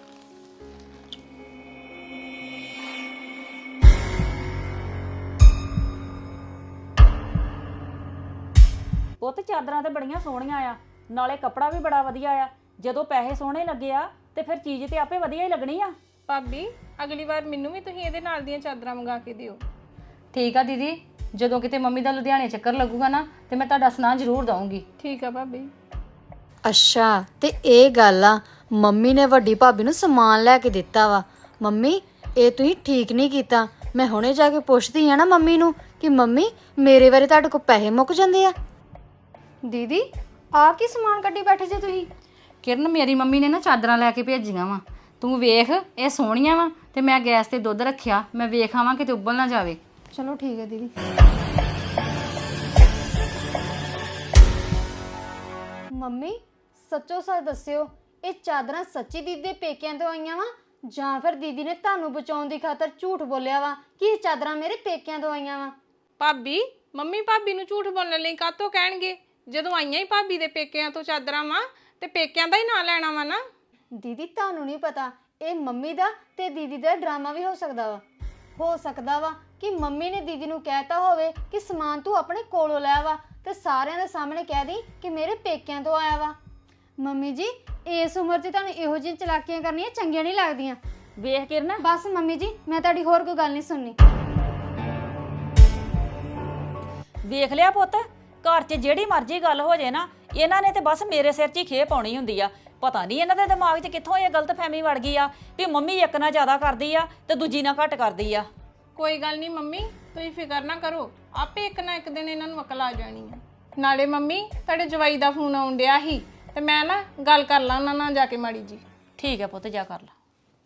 ਪੁੱਤ ਚਾਦਰਾਂ ਤੇ ਬੜੀਆਂ ਸੋਹਣੀਆਂ ਆ, ਨਾਲੇ ਕੱਪੜਾ ਵੀ ਬੜਾ ਵਧੀਆ ਆ। ਜਦੋਂ ਪੈਸੇ ਸੋਹਣੇ ਲੱਗੇ ਆ ਤੇ ਫਿਰ ਚੀਜ਼ ਤੇ ਆਪੇ ਵਧੀਆ ਹੀ ਲੱਗਣੀ ਆ।
ਭਾਬੀ ਅਗਲੀ ਵਾਰ ਮੈਨੂੰ ਵੀ ਤੁਸੀਂ ਇਹਦੇ ਨਾਲ ਦੀਆਂ ਚਾਦਰਾਂ ਮੰਗਾ ਕੇ ਦਿਓ।
ਠੀਕ ਆ ਦੀਦੀ, ਜਦੋਂ ਕਿਤੇ ਮੰਮੀ ਦਾ ਲੁਧਿਆਣੇ ਚੱਕਰ ਲੱਗੂਗਾ ਨਾ ਤੇ ਮੈਂ ਤੁਹਾਡਾ ਸੁਨਾਹ ਜ਼ਰੂਰ ਦਊਂਗੀ।
ਠੀਕ ਆ ਭਾਬੀ।
ਅੱਛਾ ਤੇ ਇਹ ਗੱਲ ਆ, ਮੰਮੀ ਨੇ ਵੱਡੀ ਭਾਬੀ ਨੂੰ ਸਮਾਨ ਲੈ ਕੇ ਦਿੱਤਾ ਵਾ। ਮੰਮੀ ਇਹ ਤੁਸੀਂ ਠੀਕ ਨਹੀਂ ਕੀਤਾ। ਮੈਂ ਹੁਣੇ ਜਾ ਕੇ ਪੁੱਛਦੀ ਆ ਨਾ ਮੰਮੀ ਨੂੰ ਕਿ ਮੰਮੀ ਮੇਰੇ ਬਾਰੇ ਤੁਹਾਡੇ ਕੋਲ ਪੈਸੇ ਮੁੱਕ ਜਾਂਦੇ ਆ। ਦੀਦੀ ਆਹ ਕੀ ਸਮਾਨ ਕੱਢੀ ਬੈਠੇ ਜੇ ਤੁਸੀਂ?
ਕਿਰਨ ਮੇਰੀ ਮੰਮੀ ਨੇ ਨਾ ਚਾਦਰਾਂ ਲੈ ਕੇ ਭੇਜੀਆਂ ਵਾ, ਤੂੰ ਵੇਖ ਇਹ ਸੋਹਣੀਆਂ ਵਾ ਤੇ ਮੈਂ ਗੈਸ ਤੇ ਦੁੱਧ ਰੱਖਿਆ, ਮੈਂ ਵੇਖ ਆਵਾਂ ਕਿਤੇ ਉੱਬਲ ਨਾ ਜਾਵੇ।
ਚਲੋ ਠੀਕ ਹੈ ਦੀਦੀ। ਮੰਮੀ ਸੱਚੋ ਸੱਚ ਦੱਸਿਓ, ਇਹ ਚਾਦਰਾਂ ਸੱਚੀ ਦੀਦੀ ਦੇ ਪੇਕਿਆਂ ਤੋਂ ਆਈਆਂ ਵਾ ਜਾਂ ਫਿਰ ਦੀਦੀ ਨੇ ਤੁਹਾਨੂੰ ਬਚਾਉਣ ਦੀ ਖਾਤਰ ਝੂਠ ਬੋਲਿਆ ਵਾ ਕਿ ਇਹ ਚਾਦਰਾਂ ਮੇਰੇ ਪੇਕਿਆਂ ਤੋਂ ਆਈਆਂ ਵਾ?
ਭਾਬੀ ਮੰਮੀ ਭਾਬੀ ਨੂੰ ਝੂਠ ਬੋਲਣ ਲਈ ਕਾਹਤੋਂ ਕਹਿਣਗੇ? ਜਦੋਂ ਆਈਆਂ ਹੀ ਭਾਬੀ ਦੇ ਪੇਕਿਆਂ ਤੋਂ ਚਾਦਰਾਂ ਵਾ ਤੇ ਪੇਕਿਆਂ ਦਾ ਹੀ ਨਾਂ ਲੈਣਾ ਵਾ ਨਾ।
ਦੀਦੀ ਤੁਹਾਨੂੰ ਨਹੀਂ ਪਤਾ, ਇਹ ਮੰਮੀ ਦਾ ਤੇ ਦੀਦੀ ਦਾ ਡਰਾਮਾ ਵੀ ਹੋ ਸਕਦਾ ਵਾ ਕਿ ਮੰਮੀ ਨੇ ਦੀਦੀ ਨੂੰ ਕਹਿਤਾ ਹੋਵੇ ਕਿ ਸਮਾਨ ਤੂੰ ਆਪਣੇ ਕੋਲੋਂ ਲੈ ਵਾ ਤੇ ਸਾਰਿਆਂ ਦੇ ਸਾਹਮਣੇ ਕਹਿ ਦੀ ਕਿ ਮੇਰੇ ਪੇਕਿਆਂ ਤੋਂ ਆਇਆ ਵਾ। ਮੰਮੀ ਜੀ ਇਸ ਉਮਰ 'ਚ ਤੁਹਾਨੂੰ ਇਹੋ ਜਿਹੀਆਂ ਚਲਾਕੀਆਂ ਕਰਨੀਆਂ ਚੰਗੀਆਂ ਨਹੀਂ ਲੱਗਦੀਆਂ।
ਵੇਖ ਕਿਰਨ,
ਬਸ ਮੰਮੀ ਜੀ ਮੈਂ ਤੁਹਾਡੀ ਹੋਰ ਕੋਈ ਗੱਲ ਨਹੀਂ ਸੁਣਨੀ।
ਵੇਖ ਲਿਆ ਪੁੱਤ, ਘਰ 'ਚ ਜਿਹੜੀ ਮਰਜ਼ੀ ਗੱਲ ਹੋ ਜੇ ਨਾ, ਇਹਨਾਂ ਨੇ ਤੇ ਬਸ ਮੇਰੇ ਸਿਰ 'ਚ ਹੀ ਖੇ ਪਾਉਣੀ ਹੁੰਦੀ ਆ। ਪਤਾ ਨਹੀਂ ਇਹਨਾਂ ਦੇ ਦਿਮਾਗ 'ਚ ਕਿੱਥੋਂ ਇਹ ਗਲਤਫਹਿਮੀ ਵੜ ਗਈ ਆ ਵੀ ਮੰਮੀ ਇੱਕ ਨਾਲ ਜ਼ਿਆਦਾ ਕਰਦੀ ਆ ਤੇ ਦੂਜੀ ਨਾਲ ਘੱਟ ਕਰਦੀ ਆ।
ਕੋਈ ਗੱਲ ਨਹੀਂ ਮੰਮੀ, ਤੁਸੀਂ ਫਿਕਰ ਨਾ ਕਰੋ, ਆਪੇ ਇੱਕ ਨਾ ਇੱਕ ਦਿਨ ਇਹਨਾਂ ਨੂੰ ਅਕਲ ਆ ਜਾਣੀ ਆ। ਨਾਲੇ ਮੰਮੀ ਤੁਹਾਡੇ ਜਵਾਈ ਦਾ ਫੋਨ ਆਉਣ ਡਿਆ ਸੀ ਤੇ ਮੈਂ ਨਾ ਗੱਲ ਕਰ ਲਾਂ ਉਹਨਾਂ ਨਾਲ ਜਾ ਕੇ ਮਾੜੀ ਜੀ।
ਠੀਕ ਹੈ ਪੁੱਤ, ਜਾ ਕਰ ਲਾ।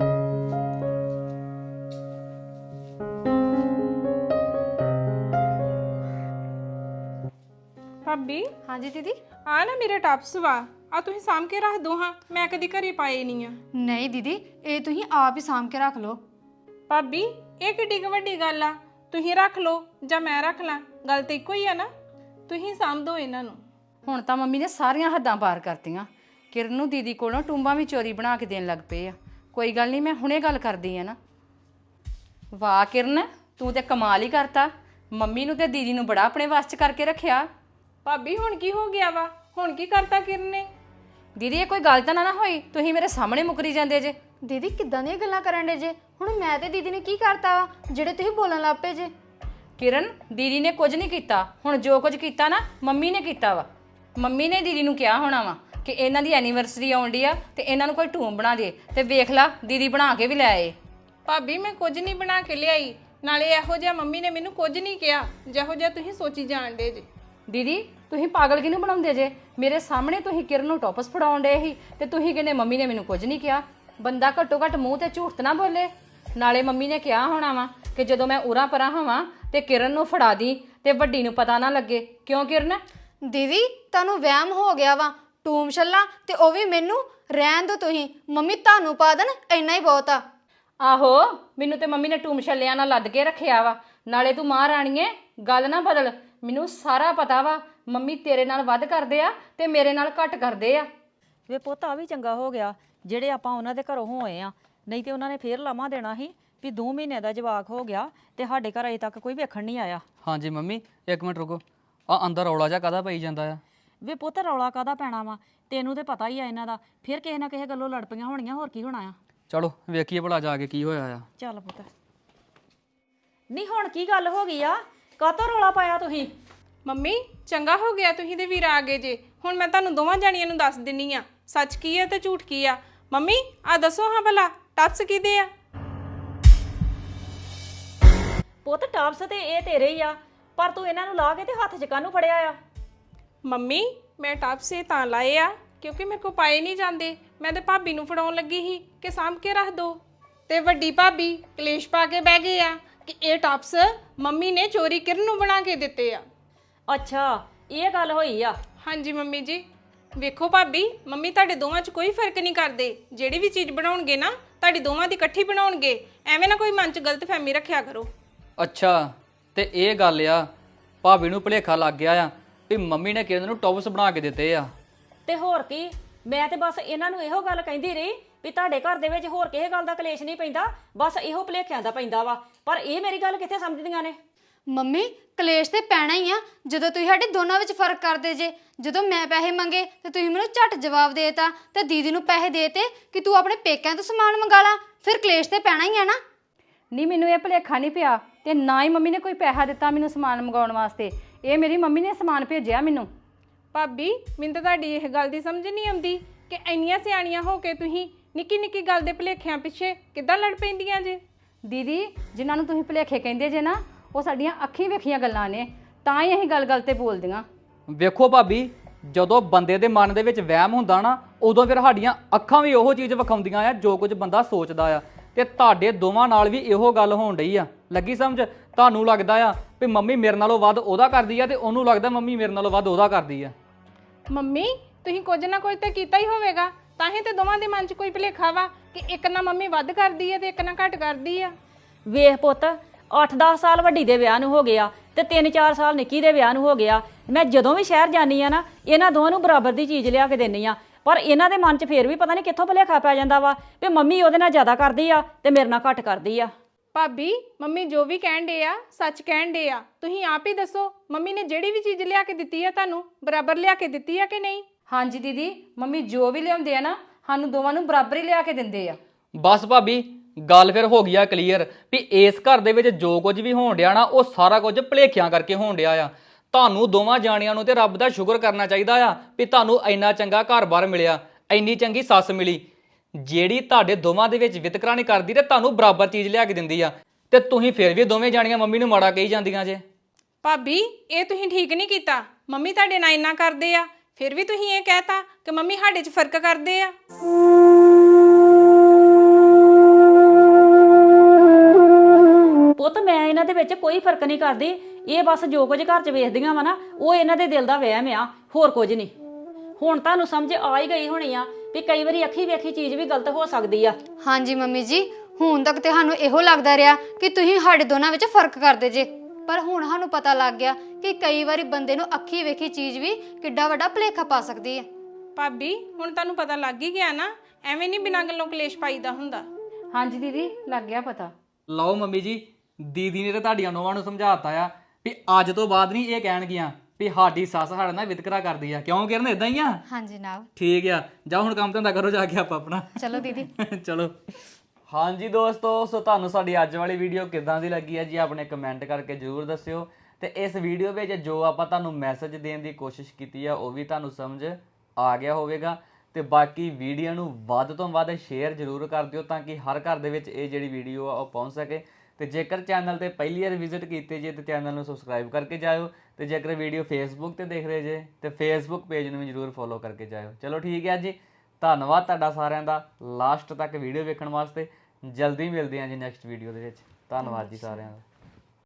ਭਾਬੀ
ਹਾਂਜੀ ਦੀਦੀ।
ਆ ਨਾ ਮੇਰੇ ਟਾਪਸ ਵਾ, ਆ ਤੁਸੀਂ ਸਾਂਭ ਕੇ ਰੱਖ ਦੋ ਹਾਂ, ਮੈਂ ਕਦੀ ਘਰੇ ਪਾਏ ਨਹੀਂ ਆ।
ਨਹੀਂ ਦੀਦੀ ਇਹ ਤੁਸੀਂ ਆਪ ਹੀ ਸਾਂਭ ਕੇ ਰੱਖ ਲਓ।
ਭਾਬੀ ਇਹ ਕਿੱਡੀ ਕੁ ਵੱਡੀ ਗੱਲ ਆ, ਤੁਸੀਂ ਰੱਖ ਲਓ ਜਾਂ ਮੈਂ ਰੱਖ ਲਾਂ, ਗੱਲ ਤੇ ਇੱਕੋ ਹੀ ਆ ਨਾ। ਤੁਸੀਂ ਸਾਂਭ ਦਿਓ ਇਹਨਾਂ ਨੂੰ।
ਹੁਣ ਤਾਂ ਮੰਮੀ ਨੇ ਸਾਰੀਆਂ ਹੱਦਾਂ ਪਾਰ ਕਰਤੀਆਂ। ਕਿਰਨ ਨੂੰ ਦੀਦੀ ਕੋਲੋਂ ਟੁੰਬਾਂ ਵੀ ਚੋਰੀ ਬਣਾ ਕੇ ਦੇਣ ਲੱਗ ਪਏ ਆ। ਕੋਈ ਗੱਲ ਨਹੀਂ, ਮੈਂ ਹੁਣੇ ਗੱਲ ਕਰਦੀ ਆ ਨਾ। ਵਾਹ ਕਿਰਨ, ਤੂੰ ਤੇ ਕਮਾਲ ਹੀ ਕਰਤਾ। ਮੰਮੀ ਨੂੰ ਤੇ ਦੀਦੀ ਨੂੰ ਬੜਾ ਆਪਣੇ ਵੱਸ 'ਚ ਕਰਕੇ ਰੱਖਿਆ।
ਭਾਬੀ ਹੁਣ ਕੀ ਹੋ ਗਿਆ ਵਾ? ਹੁਣ ਕੀ ਕਰਤਾ ਕਿਰਨ ਨੇ?
ਦੀਦੀ ਇਹ ਕੋਈ ਗੱਲ ਤਾਂ ਨਾ ਹੋਈ, ਤੁਸੀਂ ਮੇਰੇ ਸਾਹਮਣੇ ਮੁਕਰੀ ਜਾਂਦੇ ਜੇ।
ਦੀਦੀ ਕਿੱਦਾਂ ਦੀਆਂ ਗੱਲਾਂ ਕਰਨ ਡੇ ਜੇ? ਹੁਣ ਮੈਂ ਤੇ ਦੀਦੀ ਨੇ ਕੀ ਕਰਤਾ ਵਾ ਜਿਹੜੇ ਤੁਸੀਂ ਬੋਲਣ ਲੱਗ ਪਏ ਜੇ?
ਕਿਰਨ ਦੀਦੀ ਨੇ ਕੁਝ ਨਹੀਂ ਕੀਤਾ, ਹੁਣ ਜੋ ਕੁਝ ਕੀਤਾ ਨਾ ਮੰਮੀ ਨੇ ਕੀਤਾ ਵਾ। ਮੰਮੀ ਨੇ ਦੀਦੀ ਨੂੰ ਕਿਹਾ ਹੋਣਾ ਵਾ ਕਿ ਇਹਨਾਂ ਦੀ ਐਨੀਵਰਸਰੀ ਆਉਂਦੀ ਆ ਤੇ ਇਹਨਾਂ ਨੂੰ ਕੋਈ ਟੂਮ ਬਣਾ ਦੇ, ਤੇ ਵੇਖ ਲਾ ਦੀਦੀ ਬਣਾ ਕੇ ਵੀ ਲੈ ਆਏ।
ਭਾਬੀ ਮੈਂ ਕੁਝ ਨਹੀਂ ਬਣਾ ਕੇ ਲਿਆਈ, ਨਾਲੇ ਇਹੋ ਜਿਹਾ ਮੰਮੀ ਨੇ ਮੈਨੂੰ ਕੁਝ ਨਹੀਂ ਕਿਹਾ ਜਿਹੋ ਜਿਹਾ ਤੁਸੀਂ ਸੋਚੀ ਜਾਣਦੇ ਜੇ।
ਦੀਦੀ ਤੁਸੀਂ ਪਾਗਲ ਕਿਹਨੂੰ ਬਣਾਉਂਦੇ ਜੇ? ਮੇਰੇ ਸਾਹਮਣੇ ਤੁਸੀਂ ਕਿਰਨ ਨੂੰ ਟੋਪਸ ਫੜਾਉਣ ਡੇ ਸੀ ਤੇ ਤੁਸੀਂ ਕਹਿੰਦੇ ਮੰਮੀ ਨੇ ਮੈਨੂੰ ਕੁਝ ਨਹੀਂ ਕਿਹਾ। ਬੰਦਾ ਘੱਟੋ ਘੱਟ ਮੂੰਹ ਤੇ ਝੂਠ ਨਾ ਬੋਲੇ। ਨਾਲੇ ਮੰਮੀ ਨੇ ਕਿਹਾ ਹੋਣਾ ਵਾ ਕਿ ਜਦੋਂ ਮੈਂ ਉਰਾਂ ਪਰਾਂ ਹੋਵਾਂ ਤੇ ਕਿਰਨ ਨੂੰ ਫੜਾ ਦੀ ਤੇ ਵੱਡੀ ਨੂੰ ਪਤਾ ਨਾ ਲੱਗੇ। ਕਿਉਂ ਕਿਰਨ?
ਦੀਦੀ ਤੁਹਾਨੂੰ ਵਹਿਮ ਹੋ ਗਿਆ ਵਾ, ਟੂਮ ਛੱਲਾ ਤੇ ਉਹ ਵੀ ਮੈਨੂੰ ਰਹਿਣ ਦੋ ਤੁਸੀਂ। ਮੰਮੀ ਤੁਹਾਨੂੰ ਪਾ ਦੇਣ ਇੰਨਾ ਹੀ ਬਹੁਤ ਆ।
ਆਹੋ ਮੈਨੂੰ ਤੇ ਮੰਮੀ ਨੇ ਟੂਮ ਛੱਲਿਆਂ ਨਾਲ ਲੱਦ ਕੇ ਰੱਖਿਆ ਵਾ। ਨਾਲੇ ਤੂੰ ਮਾਂ ਰਾਣੀਏ ਗੱਲ ਨਾ ਬਦਲ, ਮੈਨੂੰ ਸਾਰਾ ਪਤਾ ਵਾ ਮੰਮੀ ਤੇਰੇ ਨਾਲ ਵੱਧ ਕਰਦੇ ਆ ਤੇ ਮੇਰੇ ਨਾਲ ਘੱਟ ਕਰਦੇ ਆ।
ਵੇ ਪੁੱਤ ਆ ਵੀ ਚੰਗਾ ਹੋ ਗਿਆ ਜਿਹੜੇ ਆਪਾਂ ਉਹਨਾਂ ਦੇ ਘਰੋਂ ਹੋਏ ਆ, ਨਹੀਂ ਤੇ ਉਹਨਾਂ ਨੇ ਫੇਰ ਲਾਮਾ ਦੇਣਾ ਸੀ ਵੀ 2 ਮਹੀਨੇ ਦਾ ਜਵਾਕ ਹੋ ਗਿਆ ਤੇ ਸਾਡੇ ਘਰ ਅਜੇ ਤੱਕ ਕੋਈ ਵੇਖਣ ਨਹੀਂ ਆਇਆ।
ਹਾਂਜੀ ਮੰਮੀ ਇੱਕ ਮਿੰਟ ਰੁਕੋ, ਆ ਅੰਦਰ ਰੌਲਾ ਜਿਹਾ ਕਾਹਦਾ ਪਈ ਜਾਂਦਾ ਆ?
ਵੇ ਪੁੱਤ ਰੌਲਾ ਕਾਹਦਾ ਪੈਣਾ ਵਾ, ਤੈਨੂੰ ਤੇ ਪਤਾ ਹੀ ਆ ਇਹਨਾਂ ਦਾ। ਫਿਰ ਕਿਸੇ ਨਾ ਕਿਸੇ ਗੱਲੋਂ ਲੜ ਪਈਆਂ ਹੋਣੀਆਂ, ਹੋਰ ਕੀ ਹੋਣਾ ਆ।
ਚਲੋ ਵੇਖੀਏ ਭਲਾ ਜਾ ਕੇ ਕੀ ਹੋਇਆ ਆ।
ਚੱਲ ਪੁੱਤ। ਨਹੀਂ ਹੁਣ ਕੀ ਗੱਲ ਹੋ ਗਈ ਆ? ਕਾਹਤੋਂ ਰੌਲਾ ਪਾਇਆ ਤੁਸੀਂ?
ਮੰਮੀ ਚੰਗਾ ਹੋ ਗਿਆ ਤੁਸੀਂ ਦੇ ਵੀਰ ਆ ਗਏ ਜੇ। ਹੁਣ ਮੈਂ ਤੁਹਾਨੂੰ ਦੋਵਾਂ ਜਾਣੀਆਂ ਨੂੰ ਦੱਸ ਦਿੰਨੀ ਆ ਸੱਚ ਕੀ ਆ ਤੇ ਝੂਠ ਕੀ ਆ। ਮੰਮੀ ਆ ਦੱਸੋ ਹਾਂ ਭਲਾ ਟੱਪਸ ਕਿਹਦੇ ਆ?
ਪੁੱਤ ਟਾਪਸ ਤੇ ਇਹ ਤੇਰੇ ਹੀ ਆ, ਪਰ ਤੂੰ ਇਹਨਾਂ ਨੂੰ ਲਾ ਕੇ ਤੇ ਹੱਥ 'ਚ ਕਾਹਨੂੰ ਫੜਿਆ ਆ?
ਮੰਮੀ ਮੈਂ ਟੱਪਸ ਇਹ ਤਾਂ ਲਾਏ ਆ ਕਿਉਂਕਿ ਮੇਰੇ ਕੋ ਪਾਏ ਨਹੀਂ ਜਾਂਦੇ। ਮੈਂ ਤੇ ਭਾਬੀ ਨੂੰ ਫੜਾਉਣ ਲੱਗੀ ਸੀ ਕਿ ਸਾਂਭ ਕੇ ਰੱਖ ਦੋ, ਤੇ ਵੱਡੀ ਭਾਬੀ ਕਲੇਸ਼ ਪਾ ਕੇ ਬਹਿ ਗਏ ਆ ਕਿ ਇਹ ਟੱਪਸ ਮੰਮੀ ਨੇ ਚੋਰੀ ਕਿਰਨ ਨੂੰ ਬਣਾ ਕੇ ਦਿੱਤੇ ਆ।
ਅੱਛਾ ਇਹ ਗੱਲ ਹੋਈ ਆ?
ਹਾਂਜੀ ਮੰਮੀ ਜੀ। ਵੇਖੋ ਭਾਬੀ ਮੰਮੀ ਤੁਹਾਡੇ ਦੋਵਾਂ 'ਚ ਕੋਈ ਫਰਕ ਨਹੀਂ ਕਰਦੇ। ਜਿਹੜੀ ਵੀ ਚੀਜ਼ ਬਣਾਉਣਗੇ ਨਾ ਤੁਹਾਡੀ ਦੋਵਾਂ ਦੀ ਇਕੱਠੀ ਬਣਾਉਣਗੇ। ਐਵੇਂ ਨਾ ਕੋਈ ਮਨ 'ਚ ਗਲਤਫਹਿਮੀ ਰੱਖਿਆ ਕਰੋ।
ਅੱਛਾ ਤੇ ਇਹ ਗੱਲ ਆ, ਭਾਬੀ ਨੂੰ ਭੁਲੇਖਾ ਲੱਗ ਗਿਆ ਆ ਵੀ ਮੰਮੀ ਨੇ ਕਿਰਨ ਨੂੰ ਟੌਪਸ ਬਣਾ ਕੇ ਦਿੱਤੇ ਆ।
ਤੇ ਹੋਰ ਕੀ, ਮੈਂ ਤੇ ਬਸ ਇਹਨਾਂ ਨੂੰ ਇਹੋ ਗੱਲ ਕਹਿੰਦੀ ਰਹੀ ਵੀ ਤੁਹਾਡੇ ਘਰ ਦੇ ਵਿੱਚ ਹੋਰ ਕਿਸੇ ਗੱਲ ਦਾ ਕਲੇਸ਼ ਨਹੀਂ ਪੈਂਦਾ, ਬਸ ਇਹੋ ਭੁਲੇਖਿਆਂ ਦਾ ਪੈਂਦਾ ਵਾ। ਪਰ ਇਹ ਮੇਰੀ ਗੱਲ ਕਿੱਥੇ ਸਮਝਦੀਆਂ ਨੇ?
ਮੰਮੀ ਕਲੇਸ਼ ਤੇ ਪੈਣਾ ਹੀ ਆ ਜਦੋਂ ਤੁਸੀਂ ਸਾਡੇ ਦੋਨਾਂ ਵਿੱਚ ਫਰਕ ਕਰਦੇ ਜੇ। ਜਦੋਂ ਮੈਂ ਪੈਸੇ ਮੰਗੇ ਤੇ ਤੁਸੀਂ ਮੈਨੂੰ ਝੱਟ ਜਵਾਬ ਦੇਤਾ ਤੇ ਦੀਦੀ ਨੂੰ ਪੈਸੇ ਦੇਤੇ ਕਿ ਤੂੰ ਆਪਣੇ ਪੇਕਿਆਂ ਤੋਂ ਸਮਾਨ ਮੰਗਾ ਲਾ, ਫਿਰ ਕਲੇਸ਼ ਤੇ ਪੈਣਾ ਹੀ ਆ ਨਾ।
ਨਹੀਂ ਮੈਨੂੰ ਇਹ ਭੁਲੇਖਾ ਨਹੀਂ ਪਿਆ ਤੇ ਨਾ ਹੀ ਮੰਮੀ ਨੇ ਕੋਈ ਪੈਸਾ ਦਿੱਤਾ ਮੈਨੂੰ ਸਮਾਨ ਮੰਗਾਉਣ ਵਾਸਤੇ। ਇਹ ਮੇਰੀ ਮੰਮੀ ਨੇ ਸਮਾਨ ਭੇਜਿਆ ਮੈਨੂੰ।
ਭਾਬੀ ਮੈਨੂੰ ਤਾਂ ਤੁਹਾਡੀ ਇਹ ਗੱਲ ਦੀ ਸਮਝ ਨਹੀਂ ਆਉਂਦੀ ਕਿ ਇੰਨੀਆਂ ਸਿਆਣੀਆਂ ਹੋ ਕੇ ਤੁਸੀਂ ਨਿੱਕੀ ਨਿੱਕੀ ਗੱਲ ਦੇ ਭੁਲੇਖਿਆਂ ਪਿੱਛੇ ਕਿੱਦਾਂ ਲੜ ਪੈਂਦੀਆਂ ਜੇ।
ਦੀਦੀ ਜਿਨ੍ਹਾਂ ਨੂੰ ਤੁਸੀਂ ਭੁਲੇਖੇ ਕਹਿੰਦੇ ਜੇ ਨਾ, ਉਹ ਸਾਡੀਆਂ ਅੱਖੀਂ ਵੇਖੀਆਂ ਗੱਲਾਂ ਨੇ, ਤਾਂ ਹੀ ਅਸੀਂ ਗੱਲ-ਗੱਲ ਤੇ ਬੋਲਦੀਆਂ।
ਵੇਖੋ ਭਾਬੀ ਜਦੋਂ ਬੰਦੇ ਦੇ ਮਨ ਦੇ ਵਿੱਚ ਵਹਿਮ ਹੁੰਦਾ ਨਾ ਉਦੋਂ ਫਿਰ ਸਾਡੀਆਂ ਅੱਖਾਂ ਵੀ ਉਹੋ ਚੀਜ਼ ਵਿਖਾਉਂਦੀਆਂ ਆ ਜੋ ਕੁਝ ਬੰਦਾ ਸੋਚਦਾ ਆ। ਤੇ ਤੁਹਾਡੇ ਦੋਵਾਂ ਨਾਲ ਵੀ ਇਹੋ ਗੱਲ ਹੋਣ ਡਈ ਆ। ਲੱਗੀ ਸਮਝ? ਤੁਹਾਨੂੰ ਲੱਗਦਾ ਆ ਵੀ ਮੰਮੀ ਮੇਰੇ ਨਾਲੋਂ ਵੱਧ ਉਹਦਾ ਕਰਦੀ ਆ ਤੇ ਉਹਨੂੰ ਲੱਗਦਾ ਮੰਮੀ ਮੇਰੇ ਨਾਲੋਂ ਵੱਧ ਉਹਦਾ ਕਰਦੀ ਆ।
ਮੰਮੀ ਤੁਸੀਂ ਕੁਝ ਨਾ ਕੁਝ ਤਾਂ ਕੀਤਾ ਹੀ ਹੋਵੇਗਾ, ਤਾਂ ਹੀ ਤੇ ਦੋਵਾਂ ਦੇ ਮਨ 'ਚ ਕੋਈ ਭੁਲੇਖਾ ਵਾ ਕਿ ਇੱਕ ਨਾ ਮੰਮੀ ਵੱਧ ਕਰਦੀ ਹੈ ਤੇ ਇੱਕ ਨਾ ਘੱਟ ਕਰਦੀ ਆ।
ਵੇਖ ਪੁੱਤ 8-10 ਸਾਲ ਵੱਡੀ ਦੇ ਵਿਆਹ ਨੂੰ ਹੋ ਗਿਆ ਤੇ 3-4 ਸਾਲ ਨਿੱਕੀ ਦੇ ਵਿਆਹ ਨੂੰ ਹੋ ਗਿਆ। ਮੈਂ ਜਦੋਂ ਵੀ ਸ਼ਹਿਰ ਜਾਨੀ ਆ ਨਾ ਇਹਨਾਂ ਦੋਵਾਂ ਨੂੰ ਬਰਾਬਰ ਦੀ ਚੀਜ਼ ਲਿਆ ਕੇ ਦਿੰਨੀ ਆ, ਪਰ ਇਹਨਾਂ ਦੇ ਮਨ 'ਚ ਫੇਰ ਵੀ ਪਤਾ ਨਹੀਂ ਕਿੱਥੋਂ ਭੁਲੇਖਾ ਪੈ ਜਾਂਦਾ ਵਾ ਵੀ ਮੰਮੀ ਉਹਦੇ ਨਾਲ ਜ਼ਿਆਦਾ ਕਰਦੀ ਆ ਤੇ ਮੇਰੇ ਨਾਲ ਘੱਟ ਕਰਦੀ ਆ।
ਭਾਬੀ ਮੰਮੀ ਜੋ ਵੀ ਕਹਿਣ ਡੇ ਆ ਸੱਚ ਕਹਿਣ ਡੇ ਆ। ਤੁਸੀਂ ਆਪ ਹੀ ਦੱਸੋ ਮੰਮੀ ਨੇ ਜਿਹੜੀ ਵੀ ਚੀਜ਼ ਲਿਆ ਕੇ ਦਿੱਤੀ ਆ ਤੁਹਾਨੂੰ ਬਰਾਬਰ ਲਿਆ ਕੇ ਦਿੱਤੀ ਆ ਕਿ ਨਹੀਂ?
ਹਾਂਜੀ ਦੀਦੀ, ਮੰਮੀ ਜੋ ਵੀ ਲਿਆਉਂਦੇ ਆ ਨਾ ਸਾਨੂੰ ਦੋਵਾਂ ਨੂੰ ਬਰਾਬਰ ਹੀ ਲਿਆ ਕੇ ਦਿੰਦੇ ਆ।
ਬਸ ਭਾਬੀ ਗੱਲ ਫਿਰ ਹੋ ਗਈ ਆ ਕਲੀਅਰ ਵੀ ਇਸ ਘਰ ਦੇ ਵਿੱਚ ਜੋ ਕੁਝ ਵੀ ਹੋਣ ਡਿਆ ਨਾ ਉਹ ਸਾਰਾ ਕੁਝ ਭੁਲੇਖਿਆਂ ਕਰਕੇ ਹੋਣ ਡਿਆ ਆ। ਤੁਹਾਨੂੰ ਦੋਵਾਂ ਜਾਣਿਆਂ ਨੂੰ ਤੇ ਰੱਬ ਦਾ ਸ਼ੁਕਰ ਕਰਨਾ ਚਾਹੀਦਾ ਆ ਵੀ ਤੁਹਾਨੂੰ ਇੰਨਾ ਚੰਗਾ ਘਰ-ਬਾਰ ਮਿਲਿਆ, ਇੰਨੀ ਚੰਗੀ ਸੱਸ ਮਿਲੀ ਜਿਹੜੀ ਤੁਹਾਡੇ ਦੋਵਾਂ ਦੇ ਵਿੱਚ ਵਿਤਕਰਾ ਨਹੀਂ ਕਰਦੀ ਤੇ ਤੁਹਾਨੂੰ ਬਰਾਬਰ ਚੀਜ਼ ਲਿਆ ਕੇ ਦਿੰਦੀ ਆ। ਤੇ ਤੁਸੀਂ ਫਿਰ ਵੀ ਦੋਵੇਂ ਜਾਣੀਆਂ ਮੰਮੀ ਨੂੰ ਮਾੜਾ ਕਹੀ ਜਾਂਦੀਆਂ ਜੇ।
ਭਾਬੀ ਇਹ ਤੁਸੀਂ ਠੀਕ ਨਹੀਂ ਕੀਤਾ। ਮੰਮੀ ਤੁਹਾਡੇ ਨਾਲ ਇੰਨਾ ਕਰਦੇ ਆ ਫਿਰ ਵੀ ਤੁਸੀਂ ਇਹ ਕਹਿਤਾ ਕਿ ਮੰਮੀ ਸਾਡੇ 'ਚ ਫਰਕ ਕਰਦੇ ਆ।
ਪੁੱਤ ਮੈਂ ਇਹਨਾਂ ਦੇ ਵਿੱਚ ਕੋਈ ਫਰਕ ਨਹੀਂ ਕਰਦੀ, ਇਹ ਬਸ ਜੋ ਕੁਝ ਘਰ 'ਚ ਵੇਖਦੀਆਂ ਵਾ ਨਾ ਉਹ ਇਹਨਾਂ ਦੇ ਦਿਲ ਦਾ ਵਹਿਮ ਆ, ਹੋਰ ਕੁਝ ਨਹੀਂ। ਹੁਣ ਤੁਹਾਨੂੰ ਸਮਝ ਆ ਹੀ ਗਈ ਹੋਣੀ ਆ ਵੀ ਕਈ ਵਾਰੀ ਅੱਖੀ ਵੇਖੀ ਚੀਜ਼ ਵੀ ਗਲਤ ਹੋ ਸਕਦੀ ਆ।
ਹਾਂਜੀ ਮੰਮੀ ਜੀ, ਹੁਣ ਤੱਕ ਤੇ ਸਾਨੂੰ ਇਹੋ ਲੱਗਦਾ ਰਿਹਾ ਕਿ ਤੁਸੀਂ ਸਾਡੇ ਦੋਨਾਂ ਵਿੱਚ ਫਰਕ ਕਰਦੇ ਜੇ, ਪਰ ਹੁਣ ਸਾਨੂੰ ਪਤਾ ਲੱਗ ਗਿਆ ਕਿ ਕਈ ਵਾਰੀ ਬੰਦੇ ਨੂੰ ਅੱਖੀ ਵੇਖੀ ਚੀਜ਼ ਵੀ ਕਿੱਡਾ ਵੱਡਾ ਭੁਲੇਖਾ ਪਾ ਸਕਦੀ ਹੈ।
ਭਾਬੀ ਹੁਣ ਤੁਹਾਨੂੰ ਪਤਾ ਲੱਗ ਹੀ ਗਿਆ ਨਾ, ਐਵੇਂ ਨਹੀਂ ਬਿਨਾਂ ਗੱਲੋਂ ਕਲੇਸ਼ ਪਾਈਦਾ ਹੁੰਦਾ।
ਹਾਂਜੀ ਦੀਦੀ, ਲੱਗ ਗਿਆ ਪਤਾ।
ਲਓ ਮੰਮੀ ਜੀ, ਦੀਦੀ ਨੇ ਤੇ ਤੁਹਾਡੀਆਂ ਨੋਵਾਂ ਨੂੰ ਸਮਝਾਤਾ ਆ ਵੀ ਅੱਜ ਤੋਂ ਬਾਅਦ ਨਹੀਂ ਇਹ ਕਹਿਣਗੀਆਂ ਵੀ ਸਾਡੀ ਸੱਸ ਸਾਡੇ ਨਾਲ ਵਿਤਕਰਾ ਕਰਦੀ ਆ। ਕਿਉਂ ਕਿਰਨ ਇਦਾਂ ਹੀ ਆ?
ਹਾਂਜੀ ਜਨਾਬ।
ਠੀਕ ਆ, ਜਾ ਹੁਣ ਕੰਮ ਧੰਦਾ ਕਰੋ ਜਾ ਕੇ ਆਪਾਂ ਆਪਣਾ।
ਚਲੋ ਦੀਦੀ।
ਚਲੋ। ਹਾਂਜੀ ਦੋਸਤੋ, ਸੋ ਤੁਹਾਨੂੰ ਸਾਡੀ ਅੱਜ ਵਾਲੀ ਵੀਡੀਓ ਕਿੱਦਾਂ ਦੀ ਲੱਗੀ ਹੈ ਜੀ ਆਪਣੇ ਕਮੈਂਟ ਕਰਕੇ ਜ਼ਰੂਰ ਦੱਸਿਓ। ਤੇ ਇਸ ਵੀਡੀਓ ਵਿੱਚ ਜੋ ਆਪਾਂ ਤੁਹਾਨੂੰ ਮੈਸੇਜ ਦੇਣ ਦੀ ਕੋਸ਼ਿਸ਼ ਕੀਤੀ ਆ ਉਹ ਵੀ ਤੁਹਾਨੂੰ ਸਮਝ ਆ ਗਿਆ ਹੋਵੇਗਾ। ਤੇ ਬਾਕੀ ਵੀਡੀਓ ਨੂੰ ਵੱਧ ਤੋਂ ਵੱਧ ਸ਼ੇਅਰ ਜ਼ਰੂਰ ਕਰ ਦਿਓ ਤਾਂ ਕਿ ਹਰ ਘਰ ਦੇ ਵਿੱਚ ਇਹ ਜਿਹੜੀ ਵੀਡੀਓ ਆ ਉਹ ਪਹੁੰਚ ਸਕੇ। ਤੇ ਜੇਕਰ ਚੈਨਲ ਤੇ ਪਹਿਲੀ ਵਾਰ ਵਿਜ਼ਿਟ ਕੀਤੇ ਜੇ ਤੇ ਚੈਨਲ ਨੂੰ ਸਬਸਕ੍ਰਾਈਬ ਕਰਕੇ ਜਾਇਓ। ਤੇ ਜੇਕਰ ਵੀਡੀਓ ਫੇਸਬੁੱਕ ਤੇ ਦੇਖ ਰਹੇ ਜੇ ਤੇ ਫੇਸਬੁੱਕ ਪੇਜ ਨੂੰ ਵੀ ਜ਼ਰੂਰ ਫੋਲੋ ਕਰਕੇ ਜਾਇਓ। ਚਲੋ ਠੀਕ ਹੈ ਜੀ, ਧੰਨਵਾਦ ਤੁਹਾਡਾ ਸਾਰਿਆਂ ਦਾ ਲਾਸਟ ਤੱਕ ਵੀਡੀਓ ਵੇਖਣ ਵਾਸਤੇ। ਜਲਦੀ ਮਿਲਦੇ ਹਾਂ ਜੀ ਨੈਕਸਟ ਵੀਡੀਓ ਦੇ ਵਿੱਚ। ਧੰਨਵਾਦ ਜੀ ਸਾਰਿਆਂ ਦਾ।